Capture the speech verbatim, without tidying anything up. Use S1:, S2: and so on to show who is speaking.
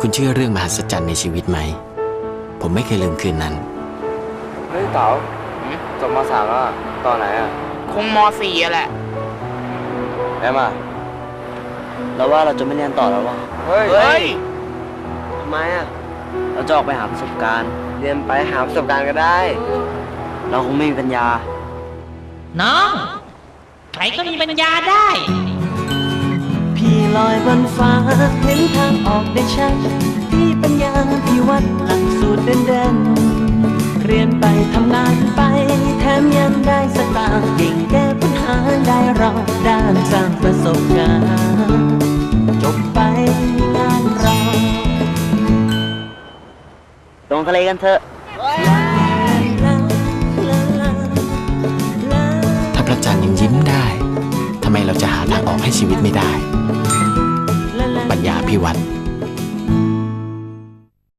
S1: คุณเชื่อเรื่องมหัศจรรย์ในชีวิตไหมผมไม่เคยลืมคืนนั้น
S2: เฮ้ยเต๋าจบม.สามแล้วตอนไหนอ่ะ
S3: คงม.สี่อะแหละ
S2: แอมอ่ะเราว่าเราจะไม่เรียนต่อแล้ววะเฮ้ย
S3: เฮ้ย
S2: ทำไมอ่ะเราจะออกไปหาประสบการณ์เรียนไปหาประสบการณ์ก็ได้เราคงไม่มีปัญญา
S4: น้องใครก็มีปัญญาได้
S5: พี่ลอยบนฟ้าเห็นทางออกได้ชัดพี่ปัญญาพี่วัดหลักสูตรเด่นๆเรียนไปทำงานไปแถมยังได้สตางค์เก่งแก้ปัญหาได้เราด้านสร้างประสบการณ์จบไปงานเรา
S2: ลงทะเลกันเถอะ
S1: ถ้าพระจันทร์ยังยิ้มได้ทำไมเราจะหาทางออกให้ชีวิตไม่ได้ปัญญาภิวัตร